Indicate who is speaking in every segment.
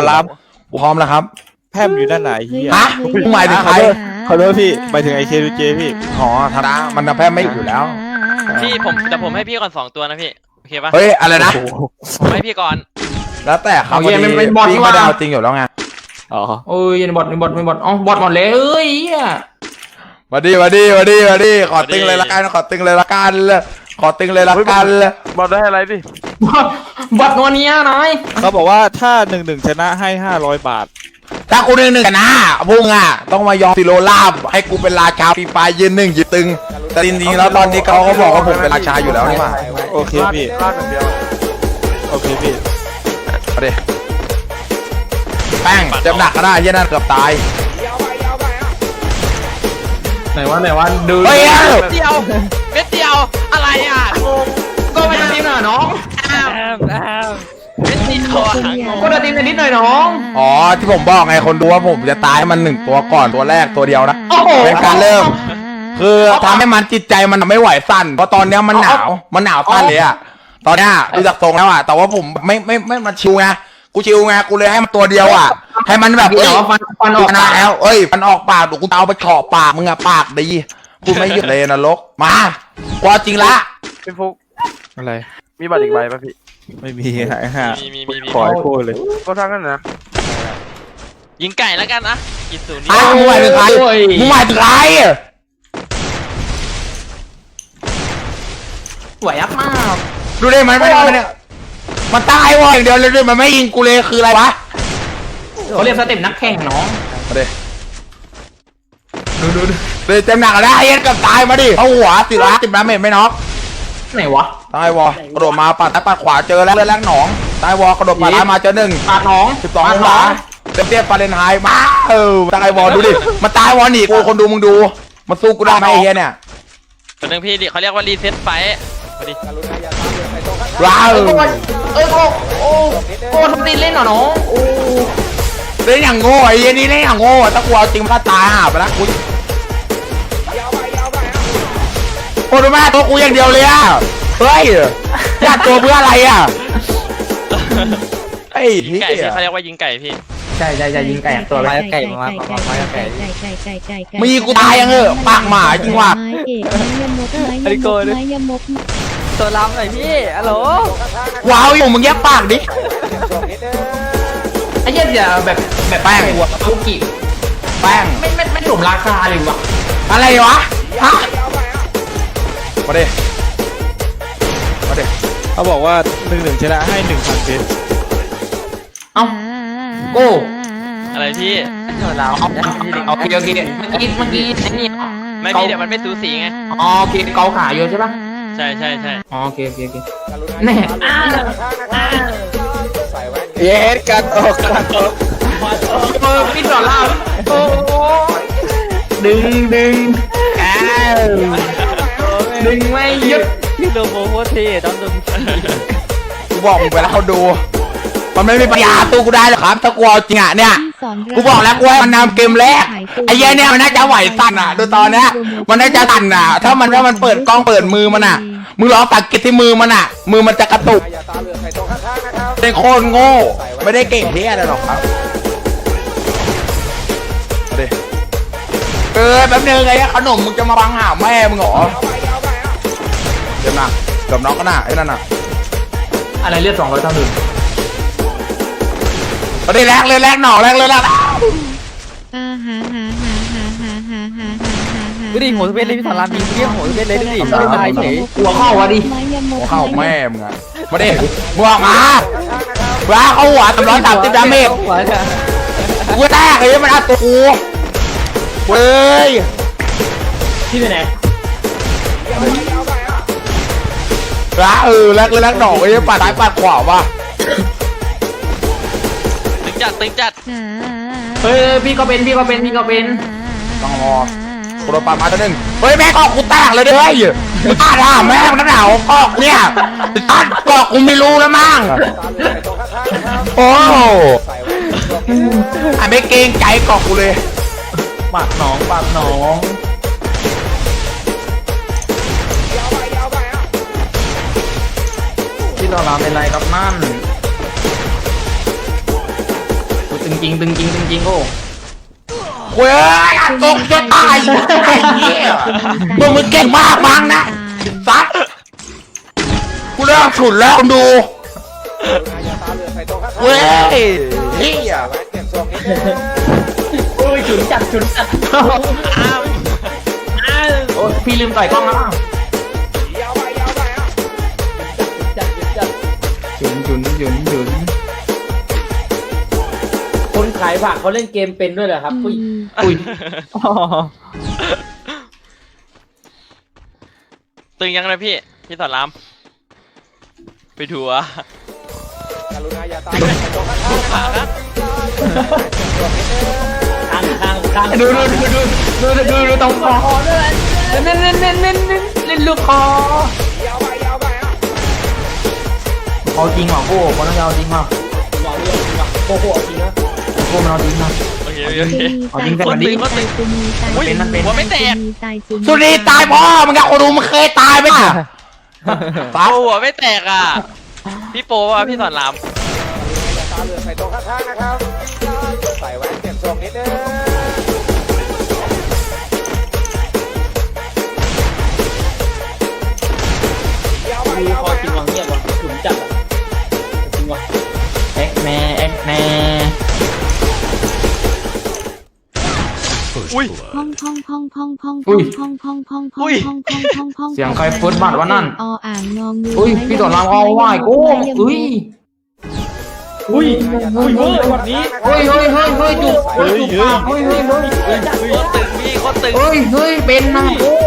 Speaker 1: อนราม
Speaker 2: พร้อมแล้วครับ
Speaker 1: แพมอยู่ด้านไหนเฮีย
Speaker 2: ฮะมึงหมายถึงใคร
Speaker 1: ขอโทษพี่หมายถึงไอเคดูเจพี่
Speaker 2: อ๋อธรรมดามันแพร่ไม่อยู่แล้ว
Speaker 3: พี่ผมให้พี่ก่อน2 ตัวนะพี่โอเคปะ
Speaker 2: เฮ้ยอะไรนะ
Speaker 3: ผมให้พี่ก่อน
Speaker 2: แล้วแต่เขา
Speaker 4: เอาเย็นมันเป็นบอท
Speaker 2: พี่
Speaker 4: ว่ะ
Speaker 2: ไม่ได้เอาจริงอยู่แล้วไง
Speaker 1: อ๋อ
Speaker 4: โอ้ยบอทอ๋อบอทหมดเลยเอ้ยเหี้ย
Speaker 2: มาดิขอตึงเลยละกันขอตึงเลยละกัน
Speaker 5: บอลได้อะไรดิ
Speaker 4: บอทนัวเนี้ยนาย
Speaker 1: เขาบอกว่าถ้า1-1ชนะให้500 บาท
Speaker 2: ถ้ากู1-1กันนะพุ่งอ่ะต้องมายอมซิโรลาบให้กูเป็นราชาปีปลายยืน1ยืนตึงแต่จริงๆแล้วตอนนี้เขาก็บอกว่าผมเป็นราชาอยู่แล้วนี่หว่า
Speaker 1: โอเคพี่
Speaker 5: พลาดอย่างเดียว
Speaker 1: โอเคพี่
Speaker 2: มาดิแป้งเจ็บหนักก็ได้เหี้ยนั่นเกือบตาย
Speaker 4: ไหนวะดู
Speaker 2: เฮ้ย
Speaker 3: เม็ดเดียวอะไรอ่ะงง
Speaker 4: ก็ไปทีมหน่อยน้อง
Speaker 3: เม็ดเดียวอ่ะงง
Speaker 4: ก็เดินทีมนิดหน่อยน้อง
Speaker 2: อ๋อที่ผมบอกไงคนดูว่าผมจะตายให้มัน1ตัวก่อนตัวแรกตัวเดียวนะ
Speaker 4: โอ้โห
Speaker 2: เป็นการเริ่ม คือทำให้มันจิตใจมันไม่ไหวสั่นเพราะตอนเนี้ยมันหนาวสั่นเลยอะตอนเนี้ยดูจากทรงแล้วอะแต่ว่าผมไม่มาชิวไงกูชิวไงกูเลยให้มันตัวเดียวอะให้มันแบบ
Speaker 4: เดี๋ยวฟันออก
Speaker 2: ชนะแล้วเอ้ยมันออกปากเดี๋ยวกูเอาไปเฉาะปากมึงอะปากดีกูไม่หยุดเลยนรกมากูเอาจริงละ
Speaker 5: พี่ฟุก
Speaker 1: อะไร
Speaker 5: มีบัตรอีกใบป่ะพี่
Speaker 1: ไม่มีหายห่า
Speaker 3: มี
Speaker 1: ขอให้พูดเลย
Speaker 5: ก็ทั้งนั้นนะ
Speaker 3: ยิงไก่แล้วกันนะกินศูนย์นี่
Speaker 2: อ้าวมึงหมายถึงใครมึงหมายถึงใคร
Speaker 4: สวยยับมาก
Speaker 2: ดูได้มันไม่เนี่ยมันตายวะอย่างเดียวเลยด้วยมันไม่ยิงกูเลยคืออะไรวะ
Speaker 4: เขาเรียกสเต็ปนักแข่งน้อง
Speaker 2: มาดิดูเลยเต็มหนักแล้วไอ้เหี้ยเกับตายมาดิเอาหัว10 ล้านเมตรไม่น็อก
Speaker 4: ไหนวะ
Speaker 2: ตายวอกระโดดมาปัดซ้ายปัดขวาเจอแล้วเลือดแรงหนองตายวอกระโดดปัดซ้ายมาเจอ1
Speaker 4: ปาดน้อง
Speaker 2: 12องศาเตี้ยฟาเรนไฮต์มาตายวอดูดิมันตายวอหนีกูคนดูมึงดูมันสู้กูได้ไหมไอ้เหี้ยเนี่ย
Speaker 3: ตัวนึงพี่เขาเรียกว่ารีเซ็ตไฟมาดิ
Speaker 2: ว้าว
Speaker 4: โอ้ทำตีเล่นเหรอน้องโอ้
Speaker 2: เล่นอย่างโง่ไอ้เหี้ยนี่เล่นอย่างโง่ถ้ากูเอาจริงมันก็ตายห่าไปแล้วกูโคตรแม่ตัวกูอย่างเดียวเลยอ่ะเฮ้ยญาติตัวเพื่ออะไรอ่ะไอ้
Speaker 3: ยิง
Speaker 2: เหี้
Speaker 3: ไก่พี่
Speaker 2: ย
Speaker 3: เขาเรียกว่ายิงไก่พี่
Speaker 4: ใช่ยิงไก่ตัวอะไร
Speaker 2: มีกูตายยังปากหมาจริงว่ะ
Speaker 6: ไอ้โกยไม้ยมก
Speaker 7: ตัวล้ำหน่อยพี่ฮัลโหล
Speaker 2: ว้าวอยู่มึงแยกปากดิ
Speaker 4: ไอ้เหี้ยอย่าแบบแป้งหัวลูกกี่
Speaker 2: แป้ง
Speaker 4: ไม่สมราคาเลยวะ
Speaker 2: อะไรวะฮะมาดิมาดิ
Speaker 1: เขาบอกว่า1-1ชนะให้1,000 เพชร
Speaker 4: เอ้าโก้
Speaker 3: อะไรพี่
Speaker 7: ตัวล้ำ
Speaker 4: โอเคเมื่อกี้ไอ้นี่
Speaker 3: ไม่พี่เดี๋ยวมันไม่สูสีไง
Speaker 4: อ๋อโอเคเกาขาอยู่ใช่ปะ
Speaker 3: ใช่
Speaker 4: อ๋อโอเคแน่
Speaker 1: เย็ดกันออก
Speaker 4: พี่สอนล่าโอ้ดึงอ้าวดึงไม่หยุด
Speaker 7: พี่โลโมโคตรเท่ต้องดึง
Speaker 2: กูบอกมึงไปแล้วเขาดู มันไม่มีปัญญาตู้กูได้หรอกครับถ้ากูเอาจริงอ่ะเนี่ยกูบอกแล้วกูให้มันนำเกมแรกไอ้เหี้ยเนี่ยมันน่าจะไหวสั่นอ่ะดูตอนเนี้ยมันน่าจะสั่นอ่ะถ้ามันเปิดกล้องเปิดมือมันอ่ะมึงลองสังเกตที่มือมันอ่ะมือมันจะกระตุกเป็นโคตรโง่ไม่ได้เก่งเพี้ยอะไรหรอกครับแป๊บนึงไอ้ขนมมึงจะมาบังหาแม่มึงเหรอเดี๋ยวนะกับน้องก็น่ะไอ้นั่นน่ะ
Speaker 4: อะไรเลือด200 เท่าหนึ่ง
Speaker 2: ตอนนี้แรกเลยหน่อแรกเลยนะ
Speaker 7: ดูดิโหสเปนเลยพี่สอนรามมีเรียกโหสเปนเลยดูดิไม่ตายเฉย
Speaker 4: หัวเข้าวะดิ
Speaker 2: เข้าแม่มึงอะมาดิบวกมาเข้าหัว330 ดาเมจกูแตกเลยมันอัดตัวกูเว้ย
Speaker 4: ที่ไหน
Speaker 2: แรกเลยหน่อไอ้ปัดซ้ายปัดขวาว่ะ
Speaker 3: ตึงจัด
Speaker 4: เฮ้ยพี่ก็เป็น
Speaker 2: ต้องรอกูโดนปัดมาตัวหนึ่งเฮ้ยแม่กอกกูแตกเลยเฮ้ยมึงตาด่าแม่มึงหนาวกอกเนี่ยตัดกอกกูไม่รู้แล้วมั้งโอ้ไม่เกรงใจกอกกูเลย
Speaker 4: ปากหนองที่เราเป็นไรครับนั่นจริงตึงจริงตึงจริงโอ้
Speaker 2: เว้ยตกจะตายไอ้เหี้ยมึงเก่งมากมั้งนะซัดกูเริ่มฉุนแล้วดูเว้ยเฮีย
Speaker 4: โอ้ยฉุนจัดโอ้พี่ลืมต่อยกล้องแล้วมั้งฉุน
Speaker 7: คนขายผักเขาเล่นเกมเป็นด้วยเหรอครับอุ้ย
Speaker 3: ตึงยังเลยพี่สอนรามไปทัวร์
Speaker 4: ข้างดูตรงคอเล่นลูกคอเอาจริงเหรอโก้คนนั้นเอาจริงเหรอโก้เอาจริงนะโก้มันเอาจริงนะ
Speaker 3: โอเค
Speaker 4: เอาจริงกันวันนี้
Speaker 3: หัวไม่แตก
Speaker 2: สุรีตายพ่อมึงอะคนดูมึงเคยตายไหมอ่ะ
Speaker 3: หัวไม่แตกอ่ะพี่โปว่ะพี่สอนราม
Speaker 7: มีคอจริงวางเงียบวะฉุนจัดจริงวะ
Speaker 4: เอ็กแน่
Speaker 3: อุ้ย
Speaker 4: เสียงใครฟุตบาทวะนั่น
Speaker 6: ออ่างงองู
Speaker 4: อุ้ยพี่ต่อรามเอาไหวกูอุ้ย
Speaker 7: เวอร์แบบนี้
Speaker 4: จุกเฮ้ยปากเฮ้ย
Speaker 3: โคตรตึงพี่โคตรตึง
Speaker 4: เฮ้ยเป็นนะ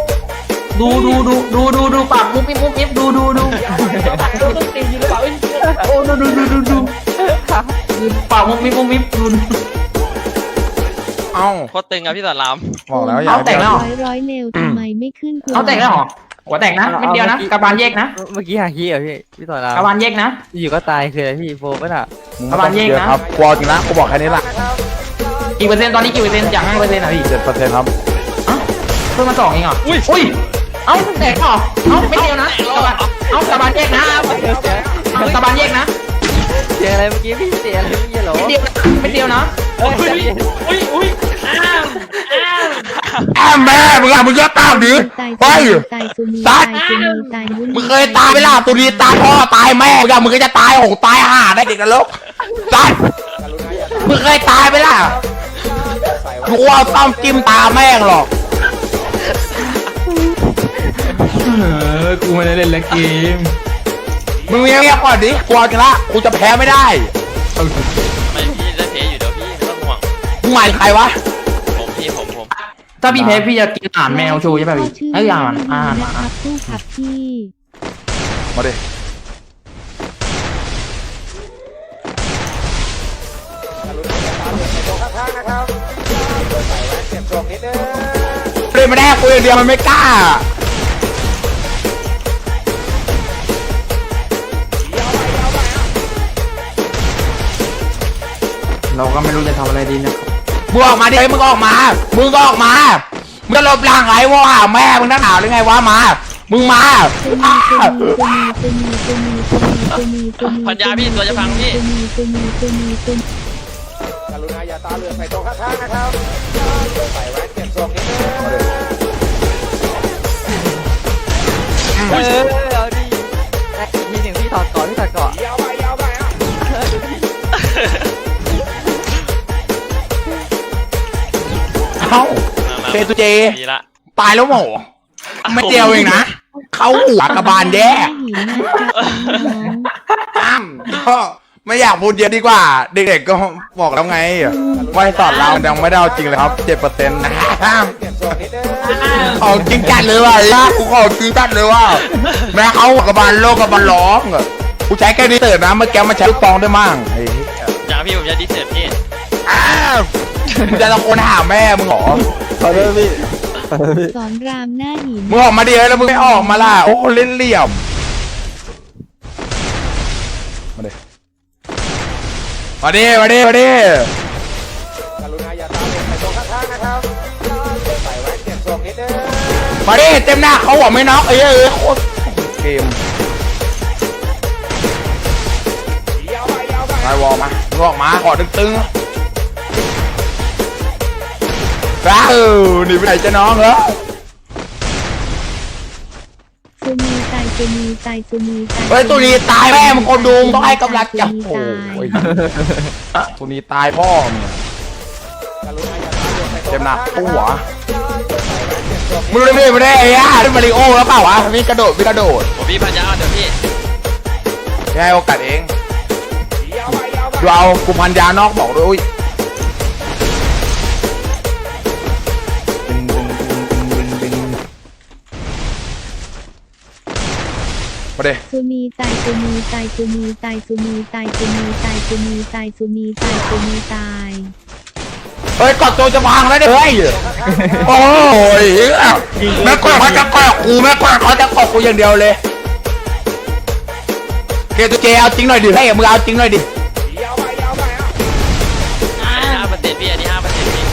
Speaker 4: ดูปากมุกมิบดู
Speaker 7: ต้องตียิงหรือเปล่า
Speaker 4: โอ้ดูปากมุกมิบดู
Speaker 2: เอ้า
Speaker 3: โคตรตึงอ่ะพี่สอนราม
Speaker 2: บอกแล้วอย่า
Speaker 4: เอาแต่งแล้ว
Speaker 6: ร้อยเร็วทำไมไม่ขึ้น
Speaker 4: เอาแต่งแล้วเหรอหัวแต่งนะไม่เดียวนะกระบาลแยกนะ
Speaker 7: เมื่อกี้หาคีเหรอพี่ต่อราม
Speaker 4: กระบาลแยกนะ
Speaker 7: อยู่ก็ตายคืออะไรพี่โฟก็น่ะ
Speaker 4: ประมาณนี้นะ
Speaker 2: ครับกลัวจริงนะกูบอกแค่นี้แหละ
Speaker 4: กี่เปอร์เซ็นต์ตอนนี้กี่เปอร์เซ็นต์จาก5%อ่ะพี่
Speaker 2: 7%ครับ
Speaker 4: เพิ่มมา2เองเหรออุ้ยเอ้าแตกเหรอเอ้าไม่เดียวนะกระบาลแยกนะกระบาลแยกนะ
Speaker 7: เสียอะไรเมื่อกี้พี่เสียอะไรเมื่อกี้เหรอ
Speaker 4: ไม่เดียวนะ
Speaker 7: อุ้ย
Speaker 2: แอมแม่มึงอะมึงก็ตามดิไป
Speaker 6: ตายสุนี
Speaker 2: ซั
Speaker 6: ตา
Speaker 2: ด
Speaker 6: ยสุนีตายมุนี
Speaker 2: มึงเคยตายไหมล่ะตุนีตายพ่อตายแม่มึงอะมึงก็จะตายหงตายห่าได้เด็กนรกซัดมึงเคยตายไหมล่ะกูเอาต้อมจิ้มตาแม่งหรอก
Speaker 4: กูไม่ได้เล่นแล้วเกม
Speaker 2: มึงเงียบๆก่อนดิกลัวจริงละกูจะแพ้ไม่ได้
Speaker 3: ไม่พี่จะเทอยู่เดี๋ยวพี่ไม่ต้องห่วง
Speaker 2: มึงหมายถึงใครวะ
Speaker 3: ผม
Speaker 4: ถ้าพี่แพ้พี่จะกินอาหารแมวโชว์ใช่ป่ะพี่ไอ้อาหาร
Speaker 6: นะครับผู้ขับที่
Speaker 2: มาดิเล่นไม่ได้กูอย่างเดียวมันไม่กล้า
Speaker 4: เราก็ไม่รู้จะทำอะไรดีนะครับ
Speaker 2: มึงออกมาดิมึงก็ออกมามึงก็ออกมามึงจะหลบหลังไอ้วะแม่มึงนั่งหนาวหรือไงวะมามึงมา
Speaker 3: พันยาพี่ตัวจะพังพี่
Speaker 7: เอาดิทีหนึ่งพี่ถอดเกาะ
Speaker 2: เอ้าเฟตุเจ
Speaker 3: ดีละ
Speaker 2: ตายแล้วหมอไม่เดียวเองนะเขาหัวกระบาลแย่อ้ามก็ไม่อยากพูดเยอะดีกว่า เด็กๆก็บอกแล้วไงว่าให้สอนเรายังไม่ได้เอาจริงเลยครับ 7%นะของจริงจัดเลยว่ะกูของจริงจัดเลยว่ะแม่เขาหัวกระบาลโลกกระบาลร้องกูใช้แค่นี้เติร์ดนะเมื่อกี้มันใช้ลูกปองได้มั่งไอ้
Speaker 3: จ้าพี่ผมจะดิสเซอร์พี่
Speaker 2: มึงจะตะโกนหาแม่มึงเหรอ
Speaker 1: ขอโทษพี่
Speaker 6: สอนรามหน้าหิน
Speaker 2: มึงออกมาดิแล้วมึงไม่ออกมาล่ะโอ้เล่นเหลี่ยมมาดิมาดิมาดิมาดิมาดิเต็มหน้าเขาหัวไม่น็อกโคตรเกมไอวอลมามึงออกมาขอตึงว้าวหนีไปไหนจะน้องเหรอ
Speaker 6: ซูนีตายซูนีตายซูนีตาย
Speaker 2: เฮ้ยตัวนี้ตายแม่มึงคนดูมึงต้องให้กำลังใจโอ้ยตัวนี้ตายพ่อมึงเจ็บหนักตู้หัวมึงรู้ไม่ได้ไอ้ย่านี่มาริโอแล้วเปล่าวะมีกระโดด
Speaker 3: ผมพี่พันยาเดี๋ยวพี่
Speaker 2: ให้โอกาสเองดูเอากูพันยานอกบอกด้วยมาเด้
Speaker 6: ซูนีตายซูนีตายซูนีตายซูนีตายซูนีตายซูนีตายซูนีตายซูนีตาย
Speaker 2: เฮ้ยกอดตัวจะพังแล้วเนี่ยเฮ้ยโอ้ยแม่กอดเขาจะกอดกูแม่กอดเขาจะกอดกูอย่างเดียวเลยเกตุเจเอาจริงหน่อยดิให้มึงเอาจริงหน่อยดิ
Speaker 3: 5%พี่อันนี้5%พี่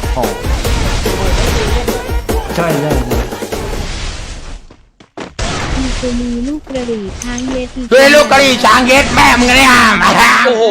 Speaker 4: ใช่ใช่
Speaker 6: อีซูนีลูกกระดี่ช้างเย็ดอี
Speaker 2: ด้วยลูกกะหรี่ช้างเย็ดแม่มึงเนี่ยโอ้โห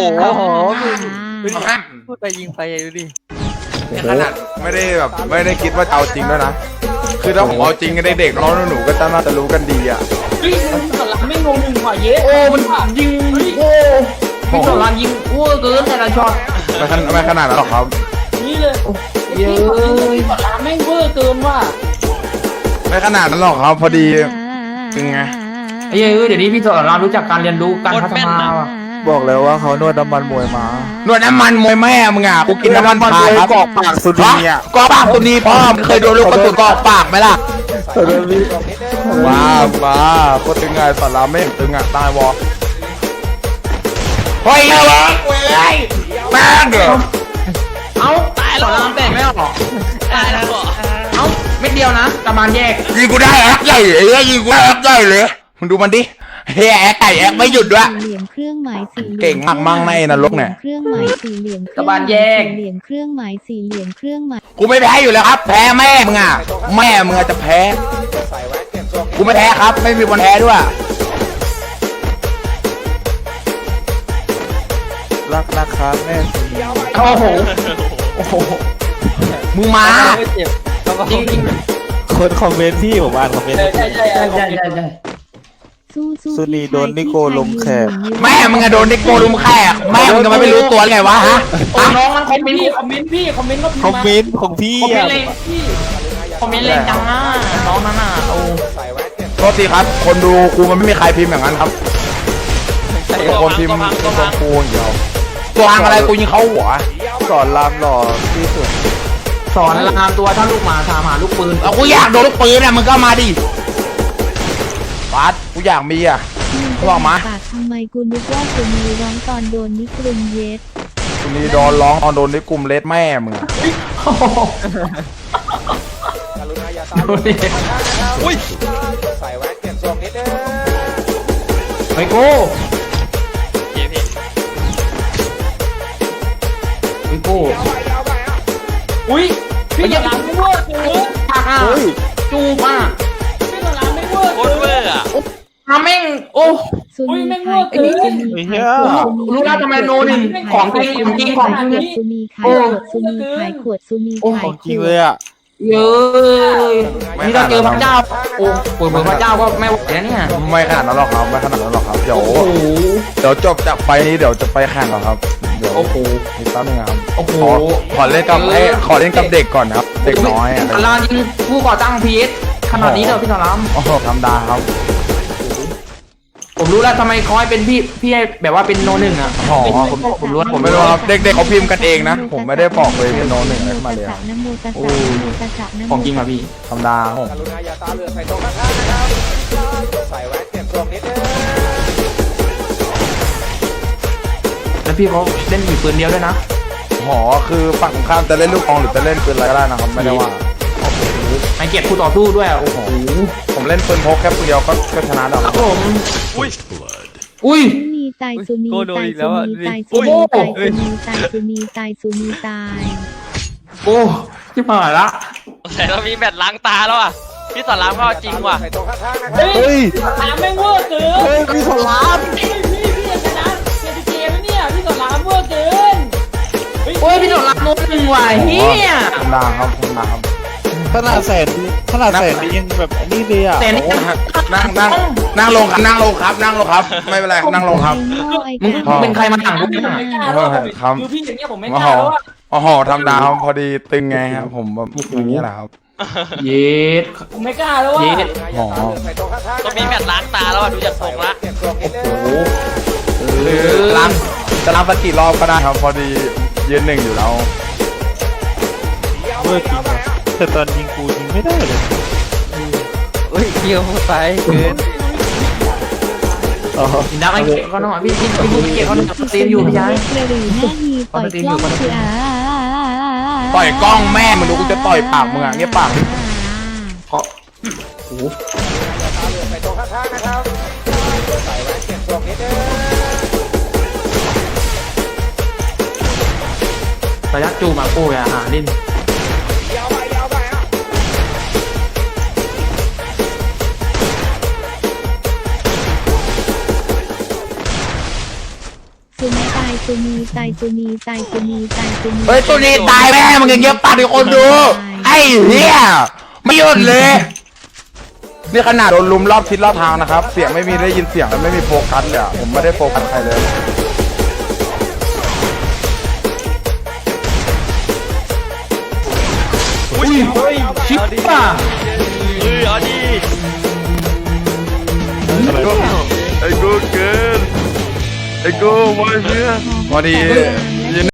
Speaker 1: พูดไปยิงไปดูดิ
Speaker 2: ขนาดไม่ได้คิดว่าจะเอาจริงด้วยนะคือถ้าผมเอาจริงกันเด็กๆน้องหนูก็น่าจะรู้กันดีอ่ะ
Speaker 7: เฮ้ยสลับไม่งงหนึ่งว่ะเย้
Speaker 4: โอ้มันยิงโอ้พี่สอนรามยิงอ้วเกินแต่ละช็อต
Speaker 2: ไม่ขนาดนั้นหรอกครับ
Speaker 7: นี่เลย
Speaker 4: เยอะ
Speaker 7: สลับแม่งเวอร์เกินว่ะ
Speaker 2: ไม่ขนาดนั้นหรอกครับพอดีเป็นไง
Speaker 4: ไอ้เดี๋ยวนี้พี่สอนรามรู้จักการเรียนรู้การพัฒนาว่ะ
Speaker 1: บอกแล้วว่าเขานวดน้ำมันมวยมา
Speaker 2: นวดน้ำมันมวยแม่มึงอ่ะกูกินน้ำมันพาครับ
Speaker 1: กอกปากสุนีอ่ะ
Speaker 2: กอกปากสุนีพ่อมึงเคยโดนลูกกระสุนกอกปากไหมล่ะ มาโคตรตึงไงสอนรามไม่เห็นตึงอ่ะตายวอเฮ้ยเว้ยแม่งเหรอ
Speaker 4: เอ้าตายแล้วแตกไม่ออก
Speaker 3: ตายแล้วเหรอ
Speaker 4: เอ้าเม็ดเดียวนะประมาณแยก
Speaker 2: ยิงกูได้แอคใหญ่เลยยิงกูได้แอคใหญ่เลยมึงดูมันดิเฮ้ยแอคไก่แอคไม่หยุดด้วย
Speaker 6: สี่เหลี่ยมเครื่องหมายสี่หลี่ยม
Speaker 2: เก่งมากมั่งในนรกเนี่ย
Speaker 6: เครื่องหมายสี่เหลี่ยม
Speaker 4: ตะบานแยก
Speaker 6: สี่เหลี่ยมเครื่องหมายสี่เหลี่ยมเครื่องหมาย
Speaker 2: กูไม่แพ้อยู่แล้วครับ แพ้แม่มึงอ่ะแม่มึงจะแพ้กูไม่แพ้ครับ ไม่มีวันแพ้ด้วย
Speaker 1: รักนะครับแม่สุนี
Speaker 4: โอ้โห
Speaker 2: โอ้โหมึงมา
Speaker 4: จริงจริง
Speaker 1: คนคอมเมนต์พี่ผมอ่านคอมเมนต์
Speaker 7: ใช่
Speaker 4: ใช่ใช่ใช่
Speaker 6: สู้สู้
Speaker 1: สุนีโดนนิโกลงแขก
Speaker 2: แม่มึงอะโดนเด็กโกลุมแขกแม่มึงจะไม่รู้ตัวไงวะฮะ
Speaker 4: โอ้น้องมันคอมเมนต์
Speaker 7: พี่คอมเมนต์พี่คอมเมนต์ก็
Speaker 1: คอมเมนต์ของพี่
Speaker 4: คอมเมน
Speaker 1: อ่ะ
Speaker 4: ต์เลย
Speaker 7: พี่
Speaker 4: คอมเมนต์เลยจังนะน้องนั่นน่ะโอ้
Speaker 2: โทษทีครับ คนดูกูมันไม่มีใครพิมพ์อย่างนั้นครับคนพิมพ์ตัวกูอย่างเดียวตัวพังอะไรกูยิงเขาหัว
Speaker 1: สอนรามหล่อที่สุด
Speaker 4: สอนรามตัวถ้าลูกหมาถามหาลูกปืน
Speaker 2: เอากูอยากโดนลูกปืนเนี่ยมึงก็มาดิปัดกูอยากมีอ่ะ บอกมา
Speaker 6: ปากทำไมกูนึกว่าซูนีร้องตอนโดนนิกรุงเย็ด
Speaker 2: กูนี่โดนร้องตอนโดนในกลุ่มเลสแม่มึงอะ
Speaker 4: ดูดิ
Speaker 3: อุ้ย
Speaker 4: ไอ้โก้
Speaker 3: พี่
Speaker 4: ไอ้โก้
Speaker 7: อุ้ยพี่สลับไม่เวอร์เกิน
Speaker 4: ปากอ่ะจูบอ่ะ
Speaker 7: พี่สลับไม่เวอร์
Speaker 3: โค
Speaker 7: เกิ
Speaker 3: ตรเวอน ร์อ่ะ
Speaker 4: ทำแม่งโอ้
Speaker 6: ซู
Speaker 7: อุ๊ย
Speaker 6: นี
Speaker 7: แม่ง
Speaker 6: ขาย
Speaker 7: เวอร์เกิน
Speaker 6: ซูนีขายขวด
Speaker 4: รู้แล้วทำไมโนหนึ่งของจริงของจริงของจริง
Speaker 6: ซูนีขายขวดซูนีขายขวดซูนีขาย
Speaker 1: ของ
Speaker 6: ข
Speaker 1: จริง
Speaker 6: ว
Speaker 1: เล
Speaker 6: ด
Speaker 1: ยอ่ะ
Speaker 4: เยอะนี่ถ้าเจอพระเจ้าโอ้เปิดพระเจ้าก็ไม่ไหวแล้วเนี่ย
Speaker 2: ไม่ขนาดนั้นหรอกครับไม่ขนาดนั้นหรอกครับเดี๋ยว
Speaker 4: โอ้โห
Speaker 2: จบจากไฟนี้เดี๋ยวจะไปแข่งก่อนครับเดี๋ยว
Speaker 4: โอ้โห
Speaker 2: อีกแป๊บนึงครับ
Speaker 4: โอ้โห
Speaker 2: ขอเล่นกับขอเล่นกับเด็กก่อนนะครับเด็กน้อยอะ
Speaker 4: สารามยิงผู้ก่อตั้งพีเอสขนาดนี้เลยพี่สาราม
Speaker 2: โอ้โหธรรมดาครับ
Speaker 4: ผมรู้แล้วทำไมคอยเป็นพี่ให้แบบว่าเป็นโนหนึ่งอ่ะ
Speaker 2: อ๋อ
Speaker 4: ผมรู้แล้ว
Speaker 2: ผมไม่รู้ครับเด็กๆเขาพิมพ์กันเองนะ ผมไม่ได้บอกเลยเป็นโน้ตหนึ่งอะไรขึ้นมาเลยครับ
Speaker 6: นะโมตัสสะนะโมตัสสะนะโม
Speaker 4: ของจริงอ่ะพี่
Speaker 2: ธรรมดาครับผม
Speaker 4: แล้วพี่เขาเล่นอยู่ปืนเดียวด้วยนะ
Speaker 2: หอคือฝั่งตรงข้ามจะเล่นลูกกองหรือจะเล่นปืนอะไรก็ได้นะครับไม่ได้ว่า
Speaker 4: ให้เกียรติคู่ต่อสู้ด้วยโอ้โห
Speaker 2: ผมเล่นปืนพกแค่ปืนเดียวก็ชนะแล้ว
Speaker 4: ครับผม
Speaker 3: อุ้ย
Speaker 4: อุ้ย
Speaker 6: ซูนีตายซูนี
Speaker 1: โกโดน
Speaker 6: ตาย
Speaker 1: อีกแล้
Speaker 6: ซู
Speaker 1: วอะ
Speaker 6: นีตาย
Speaker 4: อุ๊
Speaker 6: ซู
Speaker 4: ย
Speaker 6: นีตายซูนีตายซูนีตายซูนีตาย
Speaker 4: โอ้ที่ผ่านละ
Speaker 3: แต่เรามีแบตล้างตาแล้วอ่ะพี่สอนรามก็เอาจริงว่ะ
Speaker 7: เฮ้ย
Speaker 1: เฮ้ย
Speaker 7: สลับไม่เวอร์เกิน
Speaker 1: เฮ้ยพี่สอนราม
Speaker 7: พี่จะชนะเกมแล้วเนี่ยพี่สลับเวอร์เกิน
Speaker 4: โอ้ยพี่โดนรับโน้ตหนึ่งว่ะเฮีย
Speaker 2: ธรรมดาครับธรรมดาครับ
Speaker 1: ขนาดแสนดียังแบบนี่เลยอ่ะ
Speaker 4: แต่นี่
Speaker 2: นั่งลงครับนั่งลงครับนั่งลงครับ ไม่เป็นไรนั่งลงครับ
Speaker 4: มึงเป็นใครมาถังกู
Speaker 7: ผมไม่กล้าแล้วคือพี่อย่างเงี้ยผมไม่กล้าแล้วอะ
Speaker 2: อ๋อธรรมดาครับพอดีตึงไงครับผมแบบอย่างนี้แหละครับ
Speaker 4: เย็ด
Speaker 7: ผมไม่กล้าแล้วอะ
Speaker 4: เย็ด
Speaker 2: อ๋อ
Speaker 3: ต้องมีแมตช์ล้างตาแล้วอะดูจากทรงละ
Speaker 2: หรือล้างจะล้างสักกี่รอบก็ได้ครับพอดียืนหนึ่งอยู่แล้ว
Speaker 1: เมื่อจริงอะแต่ตอนยิงกูยิงไม่ได้เลย
Speaker 3: เฮ้ยเกี่ยวไปเกิน
Speaker 1: อ๋อ
Speaker 4: กินดักไอ้เก๋เขาหน่อยพี่เก๋เขาหน่อยตีมอยู่พี่ชาย
Speaker 6: กระหรือหน้าฮีปล่อยกล้องคือ
Speaker 2: ต่อยกล้องแม่มึงดูกูจะต่อยปากมึงอ่ะเงี้ยปาก
Speaker 4: ระยะจูมาโก้ยอาหารลิ้น
Speaker 6: ซูมีตายซูมีตายซูมีตายซูมีตายซูมี
Speaker 2: เฮ้ยตัวนี้ตายแม่มึงอย่างเงี้ยปากให้คนดูไอ้เหี้ยไม่หยุดเลยนี่ขนาดโดนลุมรอบทิศรอบทางนะครับเสียงไม่มีได้ยินเสียงแล้วไม่มีโฟกัสเลยอะผมไม่ได้โฟกัสใครเลย
Speaker 4: ชิปป่ะ
Speaker 3: เอาดิ
Speaker 5: ไอ้กูเกินไอ้กูมาเพื่อน
Speaker 2: พอดี